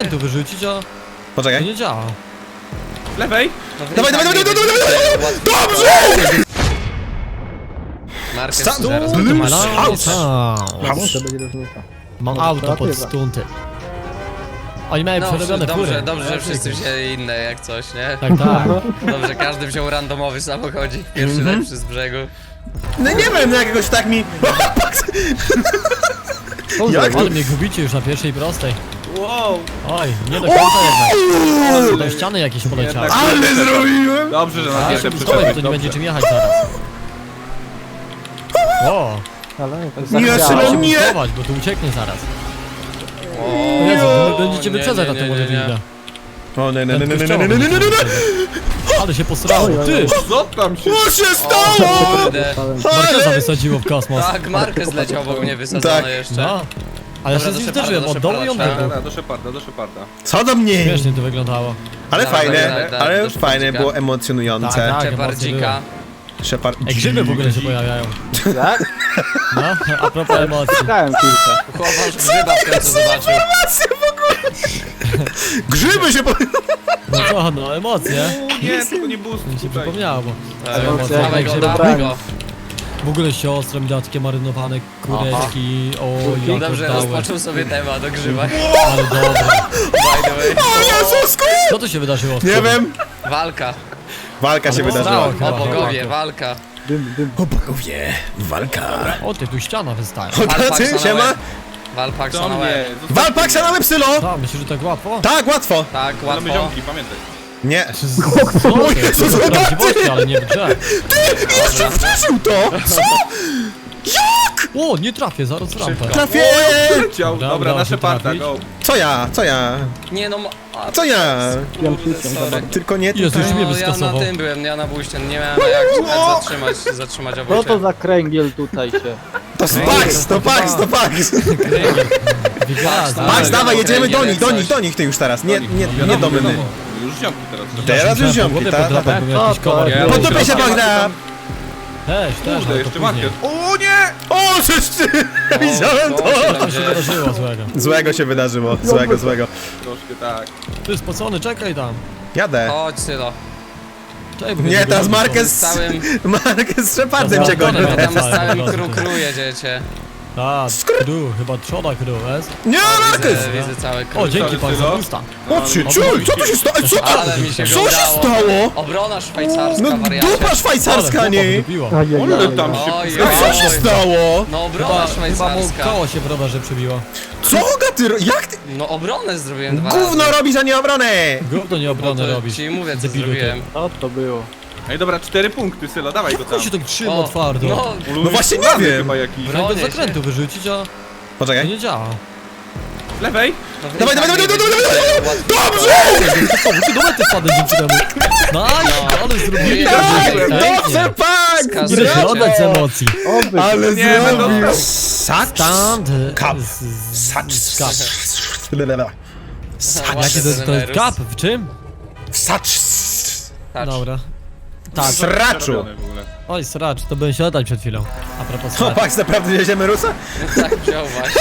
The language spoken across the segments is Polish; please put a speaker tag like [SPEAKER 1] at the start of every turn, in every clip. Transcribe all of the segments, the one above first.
[SPEAKER 1] zakrętu wyrzucić, a to
[SPEAKER 2] Poczekaj.
[SPEAKER 1] nie działa.
[SPEAKER 3] Lewej!
[SPEAKER 2] Dawaj! Dobrze!
[SPEAKER 4] Markę
[SPEAKER 2] Sam-
[SPEAKER 4] zaraz.
[SPEAKER 1] Mam auto pod stunty. Oni mają przerobione fury.
[SPEAKER 4] Dobrze, że wszyscy wzięli inne jak coś, nie?
[SPEAKER 1] Tak, tak.
[SPEAKER 4] Dobrze, każdy wziął randomowy samochodzik, pierwszy lepszy z brzegu.
[SPEAKER 2] No nie wiem, no jakiegoś tak mi... Jak to?
[SPEAKER 1] Ale mnie gubicie już na pierwszej prostej.
[SPEAKER 3] Wow!
[SPEAKER 1] Oj, nie do końca jednak. Do ściany jakieś poleciały.
[SPEAKER 2] Ale zrobiłem!
[SPEAKER 3] Dobrze, że na
[SPEAKER 1] A,
[SPEAKER 3] pierwsze
[SPEAKER 1] to
[SPEAKER 3] przyszedłeś,
[SPEAKER 1] nie
[SPEAKER 3] dobrze.
[SPEAKER 1] będzie czym jechać zaraz. O,
[SPEAKER 2] Nie,
[SPEAKER 1] trzeba
[SPEAKER 2] Szymon,
[SPEAKER 1] się
[SPEAKER 2] nie!
[SPEAKER 1] bustować, bo tu ucieknie zaraz.
[SPEAKER 4] O,
[SPEAKER 1] O Jezu, wy będziecie
[SPEAKER 4] nie,
[SPEAKER 1] wyprzedzać na
[SPEAKER 4] nie,
[SPEAKER 1] tym
[SPEAKER 4] nie, nie.
[SPEAKER 1] Wolverine.
[SPEAKER 2] O nie, nie,
[SPEAKER 1] Ten
[SPEAKER 2] nie, nie, nie,
[SPEAKER 1] kościoła
[SPEAKER 2] nie, nie, nie, nie, nie,
[SPEAKER 1] będzie Ale się posrało, ty!
[SPEAKER 3] Co tam się...
[SPEAKER 2] Co się stało?
[SPEAKER 4] Kurde.
[SPEAKER 1] Markeza wysadziło w kosmos.
[SPEAKER 4] Tak, Marquez leciał obok mnie wysadzony
[SPEAKER 2] Tak.
[SPEAKER 4] jeszcze.
[SPEAKER 1] No. Ale ja się
[SPEAKER 4] Dobra,
[SPEAKER 1] z nim
[SPEAKER 4] do
[SPEAKER 1] zderzyłem,
[SPEAKER 4] Sheparda,
[SPEAKER 1] od dołu i od
[SPEAKER 4] do Sheparda,
[SPEAKER 1] tyłu.
[SPEAKER 3] Dobra, do Sheparda, do Sheparda.
[SPEAKER 2] Co do mnie?
[SPEAKER 1] Śmiesznie to wyglądało.
[SPEAKER 2] Ale
[SPEAKER 4] Dawaj,
[SPEAKER 2] fajne,
[SPEAKER 4] dawaj, dawaj,
[SPEAKER 2] ale
[SPEAKER 4] do
[SPEAKER 2] fajne,
[SPEAKER 4] Shepardzika.
[SPEAKER 2] było emocjonujące.
[SPEAKER 1] Tak, tak.
[SPEAKER 4] Shepardzika.
[SPEAKER 2] Shepard...
[SPEAKER 1] Ej, grzyby w ogóle się pojawiają.
[SPEAKER 5] Tak?
[SPEAKER 1] No, a propos emocji.
[SPEAKER 5] Szukałem kilka.
[SPEAKER 4] Chłopak grzyba w końcu zobaczył.
[SPEAKER 2] Grzyby się po...
[SPEAKER 1] No co, no emocje.
[SPEAKER 3] Nie, tylko nie boost
[SPEAKER 1] Mi się
[SPEAKER 3] tutaj.
[SPEAKER 1] przypomniało, bo
[SPEAKER 5] Emocje.
[SPEAKER 4] Dawaj go,
[SPEAKER 1] grzyba
[SPEAKER 4] dawaj go.
[SPEAKER 1] w ogóle siostra mi dała takie marynowane kureczki. O,
[SPEAKER 4] No
[SPEAKER 1] jak
[SPEAKER 4] dobrze,
[SPEAKER 1] oddały.
[SPEAKER 4] rozpoczął sobie temat o grzybach.
[SPEAKER 1] Ale dobra.
[SPEAKER 4] By the way.
[SPEAKER 2] O Jezusku!
[SPEAKER 1] Co tu się wydarzyło?
[SPEAKER 2] Nie wiem.
[SPEAKER 4] Walka.
[SPEAKER 2] Walka się
[SPEAKER 1] Ale
[SPEAKER 2] wydarzyła.
[SPEAKER 1] stało chyba.
[SPEAKER 4] O bogowie, walka.
[SPEAKER 5] Dym.
[SPEAKER 2] O bogowie, walka.
[SPEAKER 1] O, ty tu ściana wystaje.
[SPEAKER 2] O tacy, siema.
[SPEAKER 4] Walpaksa
[SPEAKER 3] Do
[SPEAKER 4] na
[SPEAKER 3] mnie.
[SPEAKER 4] łeb.
[SPEAKER 2] Walpaksa na psylo!
[SPEAKER 1] Tak, myślisz, że tak łatwo?
[SPEAKER 2] Tak, łatwo.
[SPEAKER 4] Tak,
[SPEAKER 3] Mamy
[SPEAKER 4] łatwo.
[SPEAKER 3] ziomki, pamiętaj.
[SPEAKER 2] Nie.
[SPEAKER 1] Co ty?
[SPEAKER 2] Jezus,
[SPEAKER 1] To
[SPEAKER 2] zobaczcie!
[SPEAKER 1] prawdziwości, ale nie w grze.
[SPEAKER 2] Jeszcze wciszył to! Co?
[SPEAKER 1] O, nie trafię, zaraz rampę.
[SPEAKER 2] Trafię!
[SPEAKER 3] Leciał.
[SPEAKER 1] Dobra,
[SPEAKER 3] Dobra, na
[SPEAKER 1] muszę
[SPEAKER 3] Sheparda,
[SPEAKER 1] trafić.
[SPEAKER 3] go.
[SPEAKER 2] Co ja? Co ja?
[SPEAKER 4] Nie no,
[SPEAKER 2] Co ja?
[SPEAKER 4] sorry.
[SPEAKER 2] Tylko nie...
[SPEAKER 1] Jezu, już mnie
[SPEAKER 4] No, ja na
[SPEAKER 1] wyskasował.
[SPEAKER 4] tym byłem, ja na buście, nie miałem jak zatrzymać
[SPEAKER 5] Co
[SPEAKER 4] obójcie.
[SPEAKER 5] to za kręgiel tutaj się?
[SPEAKER 2] To Pax, to Pax, to Pax!
[SPEAKER 1] Wygazda.
[SPEAKER 2] Pax, dawaj, jedziemy do nich, do
[SPEAKER 4] coś.
[SPEAKER 2] nich, do nich ty już teraz. Nie, nie,
[SPEAKER 3] Wiadomo,
[SPEAKER 2] nie do mnie.
[SPEAKER 3] wiadomo. Już ziomki teraz.
[SPEAKER 2] Teraz już ziomki,
[SPEAKER 1] Wodę
[SPEAKER 2] tak?
[SPEAKER 1] podrapać, bo jakiś
[SPEAKER 5] Co to
[SPEAKER 1] komar.
[SPEAKER 5] jest?
[SPEAKER 2] Pod dupę się Bagda!
[SPEAKER 1] Też,
[SPEAKER 3] Kurde,
[SPEAKER 1] ale to
[SPEAKER 3] jeszcze
[SPEAKER 1] później.
[SPEAKER 3] Marquez. O nie!
[SPEAKER 2] O, czyż ty! Widziałem to!
[SPEAKER 1] Co się wydarzyło złego?
[SPEAKER 2] Złego się wydarzyło, złego, złego.
[SPEAKER 3] Troszkę tak.
[SPEAKER 1] Ty spocony, czekaj tam.
[SPEAKER 2] Jadę.
[SPEAKER 4] Chodź Sylo.
[SPEAKER 1] Czekaj, bo
[SPEAKER 2] Nie,
[SPEAKER 1] mnie
[SPEAKER 2] teraz
[SPEAKER 1] wygląda.
[SPEAKER 2] Marquez...
[SPEAKER 4] Z całym-
[SPEAKER 2] Marquez z Shepardem cię goni.
[SPEAKER 1] Dobra,
[SPEAKER 4] Tam z
[SPEAKER 1] dobra.
[SPEAKER 4] całym kru jedziecie.
[SPEAKER 1] Tak, crew, chyba trzoda crew, jest?
[SPEAKER 2] Nie, Marquez!
[SPEAKER 4] Widzę cały
[SPEAKER 1] O,
[SPEAKER 4] kru.
[SPEAKER 1] dzięki pan za
[SPEAKER 3] Sylo.
[SPEAKER 1] pusta.
[SPEAKER 2] O, czy, czul, co tu się stało? Co to?
[SPEAKER 4] Ale mi się
[SPEAKER 2] Co się
[SPEAKER 4] udało.
[SPEAKER 2] stało?
[SPEAKER 4] Obrona szwajcarska,
[SPEAKER 2] No
[SPEAKER 4] wariacie.
[SPEAKER 2] dupa szwajcarska, nie?
[SPEAKER 3] Ale tam się...
[SPEAKER 4] Oj,
[SPEAKER 2] No co się
[SPEAKER 4] oj.
[SPEAKER 2] stało?
[SPEAKER 4] No obrona
[SPEAKER 1] Chyba mu
[SPEAKER 4] szwajcarska.
[SPEAKER 1] koło się w rowerze przybiło.
[SPEAKER 2] Co ty, jak ty?
[SPEAKER 4] No obronę zrobiłem dwa razy.
[SPEAKER 2] Gówno robisz, a nie obronę!
[SPEAKER 1] Gówno nie
[SPEAKER 4] No
[SPEAKER 1] obronę
[SPEAKER 4] to
[SPEAKER 1] robisz.
[SPEAKER 4] ci mówię co
[SPEAKER 1] Debilu ty.
[SPEAKER 4] zrobiłem.
[SPEAKER 5] Co to było?
[SPEAKER 3] Ej, dobra, 4 punkty, Sylo, dawaj go tam.
[SPEAKER 1] Co się tak trzyma twardo?
[SPEAKER 4] No,
[SPEAKER 2] No właśnie nie
[SPEAKER 3] Ulany
[SPEAKER 2] wiem.
[SPEAKER 3] chyba jakiś.
[SPEAKER 1] Chciałem do
[SPEAKER 4] bronię się.
[SPEAKER 1] zakrętu wyrzucić, a to
[SPEAKER 2] Poczekaj.
[SPEAKER 1] nie działa.
[SPEAKER 3] Lewej!
[SPEAKER 4] no
[SPEAKER 2] Dawaj, dawaj, dawaj, dawaj, dawaj, dawaj! Dobrze!
[SPEAKER 1] Ty do mety wpadł dzięki temu. Nice, ale zrobili
[SPEAKER 4] Tak,
[SPEAKER 1] pięknie.
[SPEAKER 2] Dobrze, Pax!
[SPEAKER 4] Skaz-
[SPEAKER 1] Idę się oddać z emocji.
[SPEAKER 5] Oby.
[SPEAKER 2] Ale
[SPEAKER 3] Nie, no
[SPEAKER 2] zrobił!
[SPEAKER 3] dobra.
[SPEAKER 2] Sacz!
[SPEAKER 1] Stand.
[SPEAKER 2] Kap.
[SPEAKER 1] Sacz.
[SPEAKER 4] Ładny
[SPEAKER 1] Jaki to jest
[SPEAKER 4] ten
[SPEAKER 1] kap? W czym?
[SPEAKER 2] Sacz!
[SPEAKER 4] Touch.
[SPEAKER 1] Dobra. Tak.
[SPEAKER 2] Sraczu!
[SPEAKER 3] Przerobione w ogóle.
[SPEAKER 1] Oj, sracz, to byłem się oddać przed chwilą. A propos
[SPEAKER 2] O,
[SPEAKER 1] sracz.
[SPEAKER 2] Pax, naprawdę wieziemy Rusa?
[SPEAKER 4] Tak wziął właśnie.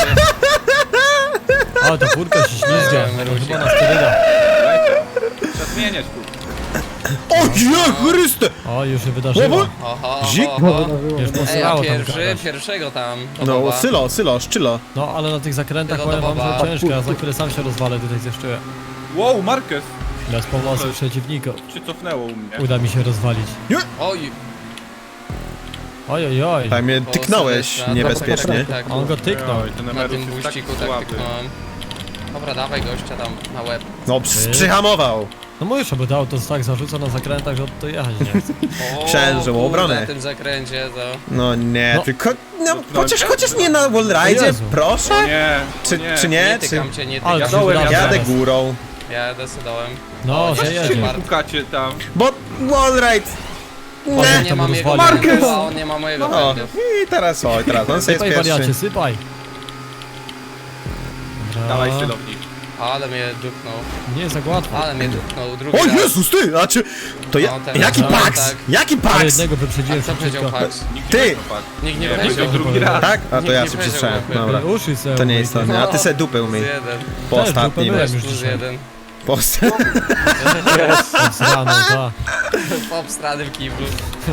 [SPEAKER 1] O, to furka się ślizga.
[SPEAKER 4] Rusik.
[SPEAKER 1] Chyba na sterydach.
[SPEAKER 3] Trzeba zmieniać tu.
[SPEAKER 2] O, je, Chryste!
[SPEAKER 1] O, już się wydarzyło.
[SPEAKER 4] Oho,
[SPEAKER 2] Zik.
[SPEAKER 4] oho.
[SPEAKER 1] Już
[SPEAKER 4] Ej, a
[SPEAKER 1] posrało tam
[SPEAKER 4] pierwszego tam.
[SPEAKER 2] No,
[SPEAKER 4] Boba.
[SPEAKER 2] Sylo, szczylo.
[SPEAKER 1] No, ale na tych zakrętach
[SPEAKER 4] Tego
[SPEAKER 1] powiem
[SPEAKER 4] do
[SPEAKER 1] wam,
[SPEAKER 4] Boba.
[SPEAKER 1] że ciężko, a za chwilę sam się rozwalę tutaj zeszczyłem.
[SPEAKER 3] Wow, Marquez
[SPEAKER 1] Bez pomocy przeciwników.
[SPEAKER 3] się cofnęło u mnie.
[SPEAKER 1] Uda mi się rozwalić.
[SPEAKER 4] Oj,
[SPEAKER 1] Oj, oj, oj.
[SPEAKER 2] Tak mnie
[SPEAKER 4] o,
[SPEAKER 2] tyknąłeś
[SPEAKER 4] Sylwestra.
[SPEAKER 2] niebezpiecznie.
[SPEAKER 4] Tak,
[SPEAKER 1] On go tyknął.
[SPEAKER 3] Oj, ten
[SPEAKER 4] na
[SPEAKER 3] emeryt
[SPEAKER 4] tym
[SPEAKER 3] jest tak
[SPEAKER 4] buściku tak
[SPEAKER 3] słaby.
[SPEAKER 4] tyknąłem. Dobra, dawaj gościa tam na łeb.
[SPEAKER 2] No, przyhamował.
[SPEAKER 1] No mówisz, aby to auto tak zarzuca na zakrętach, że to jechać nie chce.
[SPEAKER 4] O,
[SPEAKER 2] Myślałem, że
[SPEAKER 4] kurde,
[SPEAKER 2] obronę.
[SPEAKER 4] na tym zakręcie to...
[SPEAKER 2] No nie,
[SPEAKER 1] No.
[SPEAKER 2] tylko... No, chociaż nie na wallride'zie,
[SPEAKER 1] Jezu.
[SPEAKER 2] proszę?
[SPEAKER 3] Nie,
[SPEAKER 2] Czy nie?
[SPEAKER 4] Nie
[SPEAKER 2] Czy...
[SPEAKER 4] tykam cię, nie
[SPEAKER 1] Ale
[SPEAKER 4] tykam.
[SPEAKER 1] to się wydarza
[SPEAKER 2] Jadę
[SPEAKER 1] zaraz.
[SPEAKER 2] górą.
[SPEAKER 4] Ja decydowałem.
[SPEAKER 1] No,
[SPEAKER 4] O,
[SPEAKER 1] że
[SPEAKER 4] jeszcze
[SPEAKER 1] jedzie.
[SPEAKER 4] Mark.
[SPEAKER 3] pukacie tam.
[SPEAKER 2] Bo wallride...
[SPEAKER 4] On
[SPEAKER 2] Nie.
[SPEAKER 4] nie
[SPEAKER 1] tam
[SPEAKER 4] ma mojego
[SPEAKER 1] rozwalił.
[SPEAKER 4] pędu,
[SPEAKER 2] Marquez!
[SPEAKER 4] a on nie ma mojego
[SPEAKER 2] No,
[SPEAKER 4] pędu.
[SPEAKER 2] i teraz on sobie
[SPEAKER 1] Sypaj
[SPEAKER 2] jest
[SPEAKER 1] wariacie,
[SPEAKER 2] pierwszy.
[SPEAKER 1] sypaj. Dobra.
[SPEAKER 3] Dawaj, Sylownik.
[SPEAKER 4] Ale mnie dupnął.
[SPEAKER 1] Nie jest tak łatwo.
[SPEAKER 4] Ale mnie dupnął. Drugi
[SPEAKER 2] O
[SPEAKER 4] raz.
[SPEAKER 2] Jezus, ty! A czy... To ja...
[SPEAKER 4] No, teraz
[SPEAKER 2] Jaki
[SPEAKER 4] no,
[SPEAKER 2] Pax?
[SPEAKER 4] tak.
[SPEAKER 2] Jaki
[SPEAKER 1] Ale
[SPEAKER 2] Pax?
[SPEAKER 1] jednego wyprzedziłem
[SPEAKER 4] Kto powiedział
[SPEAKER 1] szybciutko.
[SPEAKER 4] Pax?
[SPEAKER 3] Nikt
[SPEAKER 2] Ty!
[SPEAKER 3] nie powiedział Pax.
[SPEAKER 4] Nikt nie
[SPEAKER 3] Nie,
[SPEAKER 4] powiedział.
[SPEAKER 3] powiedział drugi raz.
[SPEAKER 2] Tak? A to
[SPEAKER 4] Nikt
[SPEAKER 2] ja
[SPEAKER 4] nie
[SPEAKER 2] sobie
[SPEAKER 4] powiedział,
[SPEAKER 2] przytrzymałem.
[SPEAKER 4] jakby.
[SPEAKER 2] Dobra.
[SPEAKER 1] Uszy se
[SPEAKER 2] To nie
[SPEAKER 1] umyj,
[SPEAKER 2] istotne, a ty se dupę
[SPEAKER 4] Plus
[SPEAKER 2] umyj.
[SPEAKER 4] jeden.
[SPEAKER 2] Po
[SPEAKER 1] Też
[SPEAKER 2] ostatnim.
[SPEAKER 1] dupę
[SPEAKER 4] Weź
[SPEAKER 1] już
[SPEAKER 4] plus
[SPEAKER 1] dzisiaj.
[SPEAKER 4] jeden.
[SPEAKER 2] Po...
[SPEAKER 1] Z rano, tak.
[SPEAKER 4] Po obstranym kiblu.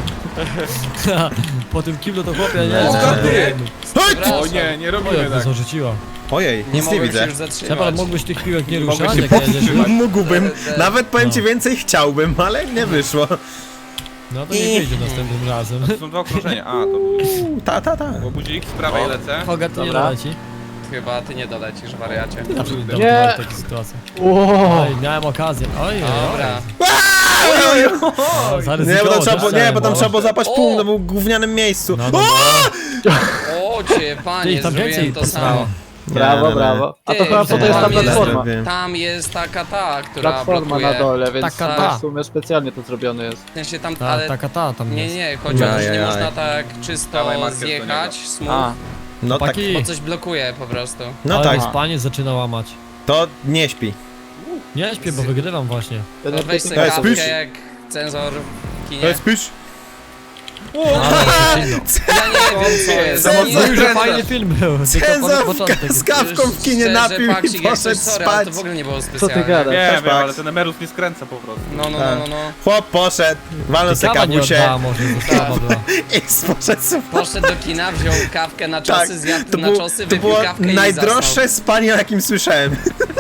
[SPEAKER 1] Po tym kiblu to chłopie nie
[SPEAKER 2] O,
[SPEAKER 1] jest.
[SPEAKER 2] ty! Hej!
[SPEAKER 3] O nie, nie
[SPEAKER 1] O,
[SPEAKER 3] robimy
[SPEAKER 1] jak to
[SPEAKER 3] tak.
[SPEAKER 1] zarzuciła.
[SPEAKER 2] Ojej,
[SPEAKER 4] Nie
[SPEAKER 2] nic nie
[SPEAKER 4] mogłem się
[SPEAKER 2] widzę.
[SPEAKER 4] już zatrzymać.
[SPEAKER 1] Shepard, mógłbyś tych piłek nie
[SPEAKER 3] Mogłeś
[SPEAKER 1] ruszać,
[SPEAKER 3] się
[SPEAKER 1] jak
[SPEAKER 3] powstrzymać.
[SPEAKER 1] jedziesz.
[SPEAKER 2] Mógłbym, nawet powiem ci
[SPEAKER 1] No.
[SPEAKER 2] więcej chciałbym, ale nie wyszło.
[SPEAKER 1] No to nie wyjdzie następnym razem.
[SPEAKER 3] To są dwa okrążenia. A, to był...
[SPEAKER 2] Ta.
[SPEAKER 3] Bo budzik z prawej lecę.
[SPEAKER 1] Hogat to nie
[SPEAKER 5] Dobra.
[SPEAKER 1] doleci.
[SPEAKER 4] Chyba ty nie dolecisz, wariacie.
[SPEAKER 1] Ty zawsze
[SPEAKER 5] Nie.
[SPEAKER 1] dominowałeś w takiej sytuacji.
[SPEAKER 5] Oj,
[SPEAKER 1] Oj, miałem okazję. Oj,
[SPEAKER 4] Dobra.
[SPEAKER 2] Nie, bo tam trzeba, nie, bo tam trzeba było
[SPEAKER 1] za...
[SPEAKER 2] zapać
[SPEAKER 4] O!
[SPEAKER 2] punkt, no był w gównianym miejscu.
[SPEAKER 1] No, no,
[SPEAKER 4] O cię,
[SPEAKER 1] Ty
[SPEAKER 4] panie,
[SPEAKER 1] ich tam więcej
[SPEAKER 4] zrobiłem to
[SPEAKER 1] posrało.
[SPEAKER 4] samo.
[SPEAKER 5] brawo,
[SPEAKER 2] Nie.
[SPEAKER 5] brawo. A to
[SPEAKER 4] Ty,
[SPEAKER 5] chyba po to jest ta
[SPEAKER 4] tam jest-
[SPEAKER 5] platforma.
[SPEAKER 4] Tam jest taka która
[SPEAKER 5] Platforma
[SPEAKER 4] blokuje.
[SPEAKER 5] na dole, więc
[SPEAKER 1] Taka
[SPEAKER 5] tak
[SPEAKER 1] ta.
[SPEAKER 5] w sumie specjalnie to zrobione jest.
[SPEAKER 4] W sensie tam,
[SPEAKER 1] Ta,
[SPEAKER 4] ale...
[SPEAKER 1] taka ta tam
[SPEAKER 4] Nie,
[SPEAKER 1] jest.
[SPEAKER 4] nie, chodzi o to, że nie
[SPEAKER 2] Ajajaj.
[SPEAKER 4] można tak czysto
[SPEAKER 3] Dawaj marker do
[SPEAKER 4] zjechać,
[SPEAKER 3] niego.
[SPEAKER 4] smooth,
[SPEAKER 5] A,
[SPEAKER 2] No tak,
[SPEAKER 1] Chłopaki,
[SPEAKER 4] bo coś blokuje po prostu.
[SPEAKER 2] no
[SPEAKER 1] ale
[SPEAKER 2] tak.
[SPEAKER 1] mi spanie zaczyna łamać.
[SPEAKER 2] To nie śpi.
[SPEAKER 1] Nie śpię, bo wygrywam właśnie.
[SPEAKER 5] ten
[SPEAKER 4] To weź sobie
[SPEAKER 2] Ej,
[SPEAKER 4] kawkę
[SPEAKER 2] spójrz.
[SPEAKER 4] jak cenzor w kinie.
[SPEAKER 2] spisz?
[SPEAKER 1] Ale
[SPEAKER 4] Ja nie wiem co jest.
[SPEAKER 2] Za
[SPEAKER 4] Ja
[SPEAKER 2] mocno
[SPEAKER 4] nie
[SPEAKER 2] już
[SPEAKER 1] Że
[SPEAKER 2] Cenzor.
[SPEAKER 1] fajny film był. tylko
[SPEAKER 2] Cenzor
[SPEAKER 1] początek.
[SPEAKER 2] z kawką w kinie
[SPEAKER 4] Szczerze,
[SPEAKER 2] napił i
[SPEAKER 4] Paksik, jak
[SPEAKER 2] poszedł
[SPEAKER 4] coś, sorry, ale
[SPEAKER 2] spać.
[SPEAKER 4] to w ogóle nie było
[SPEAKER 5] Co
[SPEAKER 4] specjalne.
[SPEAKER 5] ty gadasz?
[SPEAKER 3] Nie
[SPEAKER 2] Też
[SPEAKER 3] wiem, ale
[SPEAKER 2] Pax.
[SPEAKER 3] ten emerus nie skręca po prostu.
[SPEAKER 4] No.
[SPEAKER 2] Chłop poszedł, walnął se
[SPEAKER 1] Kawa nie
[SPEAKER 2] kawusie
[SPEAKER 1] oddała może, została była.
[SPEAKER 2] i poszedł spać.
[SPEAKER 4] Poszedł do kina, wziął kawkę na
[SPEAKER 2] Tak,
[SPEAKER 4] czosy, zjadł
[SPEAKER 2] to
[SPEAKER 4] na
[SPEAKER 2] było,
[SPEAKER 4] czosy,
[SPEAKER 2] to
[SPEAKER 4] wypił
[SPEAKER 2] było
[SPEAKER 4] kawkę i
[SPEAKER 2] najdroższe spanie, o jakim słyszałem.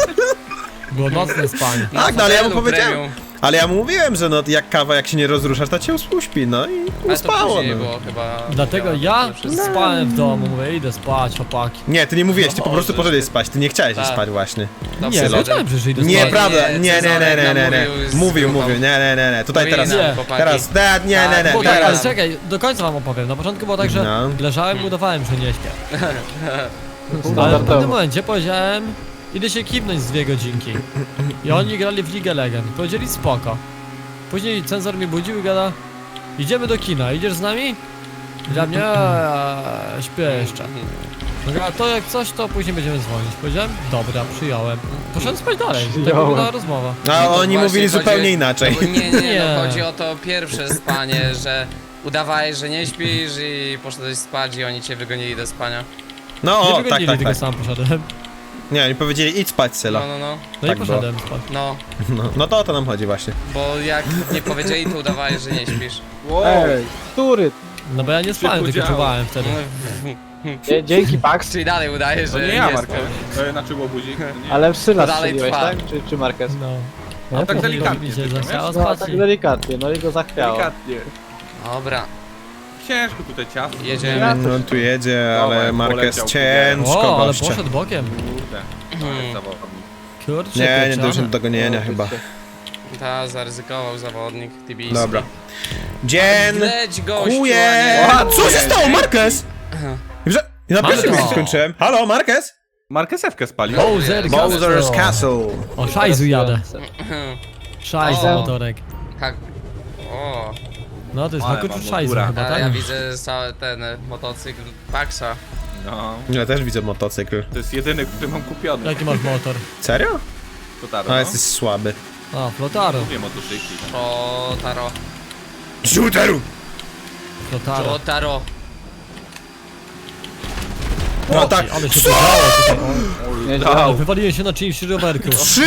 [SPEAKER 1] Było nocne spanie.
[SPEAKER 4] zasnął.
[SPEAKER 2] Tak, no ale ja mu
[SPEAKER 4] fotelu
[SPEAKER 2] powiedziałem.
[SPEAKER 4] premium.
[SPEAKER 2] Ale ja mu mówiłem, że no jak kawa, jak się nie rozruszasz, to cię uśpi, no i
[SPEAKER 4] Ale to
[SPEAKER 2] uspało.
[SPEAKER 4] później
[SPEAKER 2] No.
[SPEAKER 4] było chyba.
[SPEAKER 1] Dlatego ja spałem w domu, mówię, idę spać, chłopaki.
[SPEAKER 2] Nie, ty nie mówiłeś, ty po prostu
[SPEAKER 4] Możesz.
[SPEAKER 2] poszedłeś spać, ty nie chciałeś
[SPEAKER 4] Tak.
[SPEAKER 2] spać właśnie.
[SPEAKER 1] Nie, powiedziałem, że idę spać.
[SPEAKER 2] Nieprawda,
[SPEAKER 4] nie,
[SPEAKER 2] nie.
[SPEAKER 4] Cezarek nam
[SPEAKER 2] Mówił,
[SPEAKER 4] mówił,
[SPEAKER 2] nie. Tutaj
[SPEAKER 4] Mówili
[SPEAKER 2] teraz,
[SPEAKER 4] nam,
[SPEAKER 1] Nie.
[SPEAKER 4] chłopaki.
[SPEAKER 2] teraz, nie.
[SPEAKER 1] Bo tak, ale
[SPEAKER 2] Teraz.
[SPEAKER 1] czekaj, do końca wam opowiem. Na początku było tak, że
[SPEAKER 2] No.
[SPEAKER 1] leżałem i udawałem, że nie śpię. Ale w pewnym
[SPEAKER 5] Standardowo.
[SPEAKER 1] momencie powiedziałem, idę się kibnąć z 2 godzinki. I oni grali w League Legend. Powiedzieli spoko. Później cenzor mnie budził i gada, idziemy do kina, idziesz z nami? I dla mnie, śpię jeszcze. No, a to jak coś, to później będziemy dzwonić. Powiedziałem, dobra, przyjąłem. Poszedłem spać dalej. Tak
[SPEAKER 5] Przyjąłem.
[SPEAKER 1] wyglądała rozmowa.
[SPEAKER 2] A
[SPEAKER 4] No to
[SPEAKER 2] oni
[SPEAKER 4] właśnie
[SPEAKER 2] mówili
[SPEAKER 4] chodzi-
[SPEAKER 2] zupełnie inaczej.
[SPEAKER 4] No, nie,
[SPEAKER 1] Nie.
[SPEAKER 4] no chodzi o to pierwsze spanie, że udawałeś, że nie śpisz i poszedłeś spać i oni cię wygonili do spania.
[SPEAKER 2] No,
[SPEAKER 1] Nie
[SPEAKER 2] o, tak,
[SPEAKER 1] wygonili, tylko
[SPEAKER 2] tak.
[SPEAKER 1] sam poszedłem.
[SPEAKER 2] Nie, oni powiedzieli idź spać, Syla.
[SPEAKER 4] No,
[SPEAKER 1] No
[SPEAKER 2] Tak
[SPEAKER 1] i poszedłem spać.
[SPEAKER 2] No to o to nam chodzi właśnie.
[SPEAKER 4] bo jak nie powiedzieli, to udawałeś, że nie śpisz.
[SPEAKER 3] Wow.
[SPEAKER 5] Ej, który?
[SPEAKER 1] No bo ja nie spałem, tylko
[SPEAKER 3] podziało.
[SPEAKER 1] czuwałem wtedy.
[SPEAKER 5] Dzięki Pax,
[SPEAKER 4] Czyli dalej udajesz,
[SPEAKER 3] To
[SPEAKER 4] że
[SPEAKER 3] nie ja,
[SPEAKER 4] nie
[SPEAKER 3] Marko.
[SPEAKER 4] spałeś.
[SPEAKER 3] Znaczy łobuzik. to nie.
[SPEAKER 5] ale w Syla
[SPEAKER 4] Dalej
[SPEAKER 5] strzeliłeś,
[SPEAKER 4] trwa.
[SPEAKER 5] tak? Czy Marquez?
[SPEAKER 1] No.
[SPEAKER 3] No tak
[SPEAKER 1] później
[SPEAKER 3] delikatnie
[SPEAKER 1] mi się
[SPEAKER 3] tylko,
[SPEAKER 1] zachciało
[SPEAKER 3] wiesz?
[SPEAKER 5] No,
[SPEAKER 1] spać
[SPEAKER 5] tak
[SPEAKER 1] i...
[SPEAKER 5] delikatnie, no i go zachwiało.
[SPEAKER 3] Delikatnie.
[SPEAKER 4] Dobra,
[SPEAKER 3] Ciężko tutaj ciasto.
[SPEAKER 4] jedziemy.
[SPEAKER 2] No tu jedzie,
[SPEAKER 3] Dawaj,
[SPEAKER 2] ale Marquez
[SPEAKER 3] poleciał.
[SPEAKER 2] ciężko
[SPEAKER 1] O, ale
[SPEAKER 2] gościa.
[SPEAKER 1] poszedł bokiem.
[SPEAKER 3] Kurde. To jest zawodnik.
[SPEAKER 1] Kurczę,
[SPEAKER 2] Nie
[SPEAKER 1] pieczone.
[SPEAKER 2] dojdzie do dogonienia chyba.
[SPEAKER 4] Ta zaryzykował zawodnik Tibijski.
[SPEAKER 2] Dobra. Dzień
[SPEAKER 4] Leć gościu,
[SPEAKER 2] kuje!
[SPEAKER 4] a nie-
[SPEAKER 2] Co się stało, Marquez? Że... Na
[SPEAKER 1] Mamy
[SPEAKER 2] pierwszym
[SPEAKER 1] to.
[SPEAKER 2] miejscu skończyłem. Halo, Marquez?
[SPEAKER 3] Marquezewkę spalił.
[SPEAKER 1] Bowser
[SPEAKER 2] Bowser's Castle.
[SPEAKER 1] O, szajzu jadę. Szajz
[SPEAKER 4] O.
[SPEAKER 1] motorek.
[SPEAKER 4] Hak... O,
[SPEAKER 1] No to jest
[SPEAKER 3] Ale
[SPEAKER 1] Hakuczu
[SPEAKER 3] mam
[SPEAKER 1] szajzu
[SPEAKER 3] góra.
[SPEAKER 1] chyba,
[SPEAKER 4] a
[SPEAKER 1] tak?
[SPEAKER 4] ja widzę cały ten motocykl Paxa.
[SPEAKER 3] No.
[SPEAKER 2] Ja też widzę motocykl.
[SPEAKER 3] To jest jedyny, który mam kupiony.
[SPEAKER 1] Jaki masz motor?
[SPEAKER 2] Serio?
[SPEAKER 3] To tak,
[SPEAKER 2] A
[SPEAKER 3] no.
[SPEAKER 2] jesteś słaby.
[SPEAKER 1] A, Flotaro.
[SPEAKER 3] Lubię motocykli.
[SPEAKER 4] O, Taro.
[SPEAKER 2] Shooteru!
[SPEAKER 1] Flotaro.
[SPEAKER 4] O, Taro.
[SPEAKER 2] No tak.
[SPEAKER 1] Ale się podziało tutaj.
[SPEAKER 5] Nieźle.
[SPEAKER 1] Ale wywaliłem się na czyimś rowerku.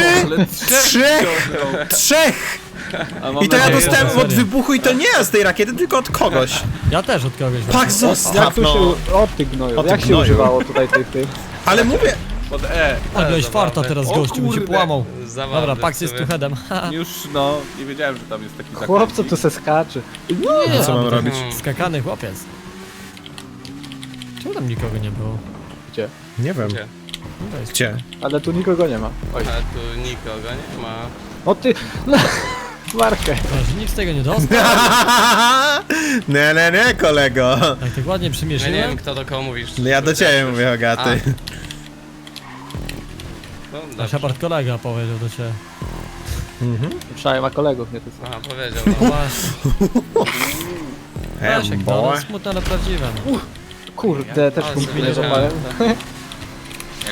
[SPEAKER 2] Trzech!
[SPEAKER 5] A mam
[SPEAKER 2] I to ja
[SPEAKER 5] nadzieję,
[SPEAKER 2] dostałem
[SPEAKER 1] serio.
[SPEAKER 2] od wybuchu i to nie ja z tej rakiety, tylko od kogoś.
[SPEAKER 1] Ja też od kogoś.
[SPEAKER 2] Pak
[SPEAKER 5] Jak
[SPEAKER 2] zostaw,
[SPEAKER 5] tu
[SPEAKER 2] no.
[SPEAKER 5] się... O ty gnoju,
[SPEAKER 2] O ty
[SPEAKER 5] jak się
[SPEAKER 2] gnoju.
[SPEAKER 5] używało tutaj tych?
[SPEAKER 2] Ale mówię,
[SPEAKER 3] Pod E.
[SPEAKER 1] Ale miałeś
[SPEAKER 4] zabawne.
[SPEAKER 1] farta teraz
[SPEAKER 3] O
[SPEAKER 1] gościu, mi się
[SPEAKER 3] kurde.
[SPEAKER 1] połamał.
[SPEAKER 4] Zabawne
[SPEAKER 1] Dobra,
[SPEAKER 4] w
[SPEAKER 1] Pax jest
[SPEAKER 4] sumie.
[SPEAKER 1] tu headem.
[SPEAKER 3] Już, no, nie wiedziałem, że tam jest taki zakręt.
[SPEAKER 5] Chłopco tu se skacze.
[SPEAKER 1] Nie,
[SPEAKER 2] co mam robić?
[SPEAKER 1] Skakany chłopiec. Czemu tam nikogo nie było?
[SPEAKER 5] Gdzie?
[SPEAKER 2] Nie wiem.
[SPEAKER 4] Gdzie?
[SPEAKER 1] No to jest-
[SPEAKER 2] Gdzie?
[SPEAKER 5] Ale tu nikogo nie ma. Oj.
[SPEAKER 4] A tu nikogo nie ma.
[SPEAKER 5] O ty... Markę.
[SPEAKER 1] Że nikt z tego nie dostał.
[SPEAKER 2] Nie, kolego.
[SPEAKER 1] Jak tak ładnie
[SPEAKER 4] Ja nie
[SPEAKER 1] przymieszyłem.
[SPEAKER 4] wiem, kto do kogo mówisz.
[SPEAKER 2] No ja do ciebie mówię, Hogaty.
[SPEAKER 4] No,
[SPEAKER 1] A
[SPEAKER 4] dobrze.
[SPEAKER 1] Shepard kolega powiedział do ciebie.
[SPEAKER 5] Przynajmniej ma kolegów, nie ty sam.
[SPEAKER 4] Aha, powiedział.
[SPEAKER 1] No
[SPEAKER 4] No.
[SPEAKER 1] właśnie. Leszek, no,
[SPEAKER 2] boy.
[SPEAKER 1] no smutne, ale prawdziwe. No.
[SPEAKER 5] Kurde, też
[SPEAKER 4] Ale
[SPEAKER 5] punktu nie
[SPEAKER 4] sobie
[SPEAKER 5] złapałem.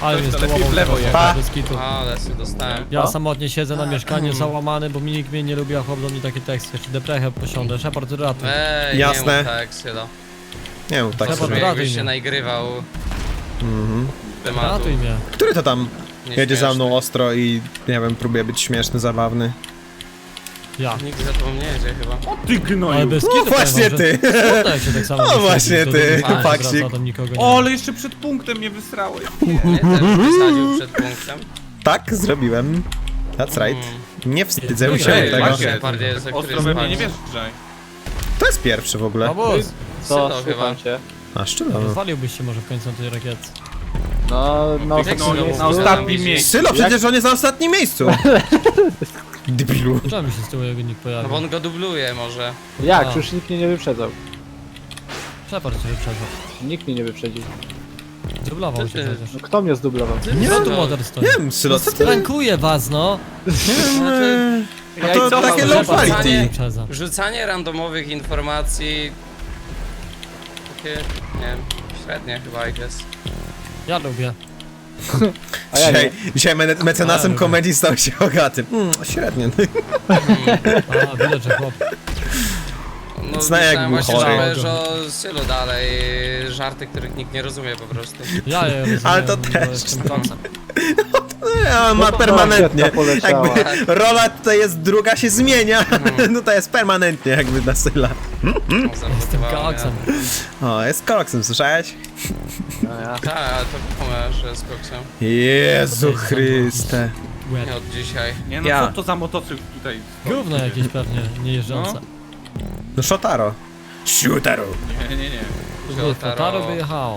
[SPEAKER 1] Ale mnie
[SPEAKER 3] to lepiej
[SPEAKER 1] stołował
[SPEAKER 3] w lewo
[SPEAKER 1] teraz,
[SPEAKER 2] jechać.
[SPEAKER 1] bez kitu.
[SPEAKER 4] Ale się dostałem.
[SPEAKER 1] Ja samotnie siedzę na mieszkaniu załamany, bo nikt mnie nie lubi, a chłop do mnie takie teksty. Czy deprechę posiądę, Shepard ratuj.
[SPEAKER 4] Ej,
[SPEAKER 2] Jasne.
[SPEAKER 4] nie mów tak, Sylo.
[SPEAKER 2] Nie wiem, tak
[SPEAKER 1] Trzeba
[SPEAKER 2] sobie.
[SPEAKER 4] Brzmi
[SPEAKER 1] ratuj
[SPEAKER 4] jakbyś się
[SPEAKER 1] mnie.
[SPEAKER 4] naigrywał
[SPEAKER 2] Mhm.
[SPEAKER 4] tematu.
[SPEAKER 1] Ratuj mnie.
[SPEAKER 2] Który to tam jedzie za mną
[SPEAKER 4] Nieśmieszny.
[SPEAKER 2] ostro i, nie wiem, próbuje być śmieszny, zabawny?
[SPEAKER 1] Ja.
[SPEAKER 4] Nikt za tobą nie jedzie chyba.
[SPEAKER 3] Ty
[SPEAKER 1] Ale
[SPEAKER 3] gnoju.
[SPEAKER 1] bez
[SPEAKER 2] No
[SPEAKER 1] kitu
[SPEAKER 2] właśnie
[SPEAKER 1] powiem
[SPEAKER 2] ty!
[SPEAKER 1] wam, że smutno, jak się tak samo
[SPEAKER 2] No
[SPEAKER 1] wysiedzi,
[SPEAKER 2] właśnie
[SPEAKER 1] to
[SPEAKER 2] ty,
[SPEAKER 1] drugi raz
[SPEAKER 2] faksik.
[SPEAKER 1] wraca, tam nikogo nie
[SPEAKER 3] O,
[SPEAKER 1] ma.
[SPEAKER 3] ale jeszcze przed punktem mnie wysrałeś.
[SPEAKER 4] Mnie też wysadził przed punktem.
[SPEAKER 2] Tak, zrobiłem. That's right. Nie wstydzę się
[SPEAKER 3] Ej,
[SPEAKER 2] tego.
[SPEAKER 3] Maciek.
[SPEAKER 4] Bardziej jest, który
[SPEAKER 3] Ostro we mnie nie
[SPEAKER 4] spadł.
[SPEAKER 3] wjeżdżaj.
[SPEAKER 2] To jest pierwszy w ogóle.
[SPEAKER 1] Obóz!
[SPEAKER 5] Co,
[SPEAKER 4] Sylo
[SPEAKER 5] słucham
[SPEAKER 4] chyba.
[SPEAKER 5] cię.
[SPEAKER 2] A szczerze.
[SPEAKER 1] Rozwaliłbyś się może w końcu na tej rakietce.
[SPEAKER 5] No, na
[SPEAKER 3] Ty
[SPEAKER 5] ostatnim
[SPEAKER 3] gnoju,
[SPEAKER 5] miejscu.
[SPEAKER 3] na ostatnim miejscu.
[SPEAKER 2] Sylo, przecież on jest na ostatnim miejscu. Debilu.
[SPEAKER 1] Czemu się z tyłu jego nikt
[SPEAKER 4] No
[SPEAKER 1] pojawił?
[SPEAKER 4] bo on go dubluje może.
[SPEAKER 5] Jak?
[SPEAKER 1] A.
[SPEAKER 5] Już nikt mnie nie wyprzedzał.
[SPEAKER 1] Shepard cię wyprzedzał.
[SPEAKER 5] Nikt mnie nie wyprzedził.
[SPEAKER 1] Dublował
[SPEAKER 4] Co
[SPEAKER 1] cię
[SPEAKER 4] ty?
[SPEAKER 1] przecież.
[SPEAKER 5] No kto mnie zdublował?
[SPEAKER 1] Nie,
[SPEAKER 4] Co
[SPEAKER 1] tu
[SPEAKER 4] to?
[SPEAKER 1] motor stoi.
[SPEAKER 2] Nie wiem, Sylo, co ty?
[SPEAKER 1] Rankuję was, no!
[SPEAKER 2] No to
[SPEAKER 5] co
[SPEAKER 2] takie
[SPEAKER 5] mam,
[SPEAKER 2] low
[SPEAKER 5] Shepard?
[SPEAKER 2] quality.
[SPEAKER 1] Wyprzedza.
[SPEAKER 4] Rzucanie randomowych informacji... Takie, nie wiem, średnie chyba, I guess.
[SPEAKER 1] Ja lubię.
[SPEAKER 5] A ja nie.
[SPEAKER 2] Dzisiaj mecenasem
[SPEAKER 1] Ale
[SPEAKER 2] komedii stał się Hogaty. Średnio.
[SPEAKER 1] A, widać, że chłop.
[SPEAKER 4] No,
[SPEAKER 2] Zna jak
[SPEAKER 4] myślałem
[SPEAKER 2] był
[SPEAKER 4] właśnie,
[SPEAKER 2] chory.
[SPEAKER 4] że powiesz o Sylu dalej, żarty, których nikt nie rozumie po prostu.
[SPEAKER 1] Ja je rozumiem,
[SPEAKER 2] Ale to
[SPEAKER 1] bo
[SPEAKER 2] też,
[SPEAKER 1] jestem
[SPEAKER 2] no.
[SPEAKER 1] koksem.
[SPEAKER 2] On ma
[SPEAKER 5] to
[SPEAKER 2] permanentnie.
[SPEAKER 5] rakieta poleciała.
[SPEAKER 2] Jakby rola tutaj jest druga, się zmienia. No to jest permanentnie jakby na Syla.
[SPEAKER 1] Jestem koksem.
[SPEAKER 2] O, jest koksem, słyszałeś?
[SPEAKER 5] No ja.
[SPEAKER 4] Tak, ale to wiadomo, że jest koksem.
[SPEAKER 2] Jezu Chryste.
[SPEAKER 1] Łeb.
[SPEAKER 4] Nie od dzisiaj.
[SPEAKER 3] Nie no,
[SPEAKER 2] Ja.
[SPEAKER 3] co to za motocykl tutaj stoi?
[SPEAKER 1] Gówno jakieś pewnie, nie jeżdżące.
[SPEAKER 2] No Shotaro. Shotaro.
[SPEAKER 3] Nie.
[SPEAKER 1] Flotaro by jechało.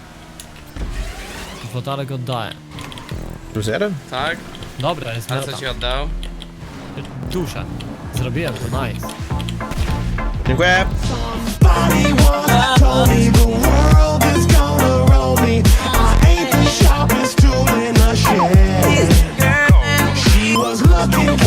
[SPEAKER 1] Flotarek oddaję.
[SPEAKER 2] Plus jeden?
[SPEAKER 4] Tak?
[SPEAKER 1] Dobra, jest
[SPEAKER 4] Ale
[SPEAKER 1] meta.
[SPEAKER 4] co ci oddał?
[SPEAKER 1] Duszę. Zrobiłem to, nice.
[SPEAKER 2] Dziękuję.
[SPEAKER 6] Somebody once told me the world is gonna roll me. I ain't the sharpest tool in the shed. She was looking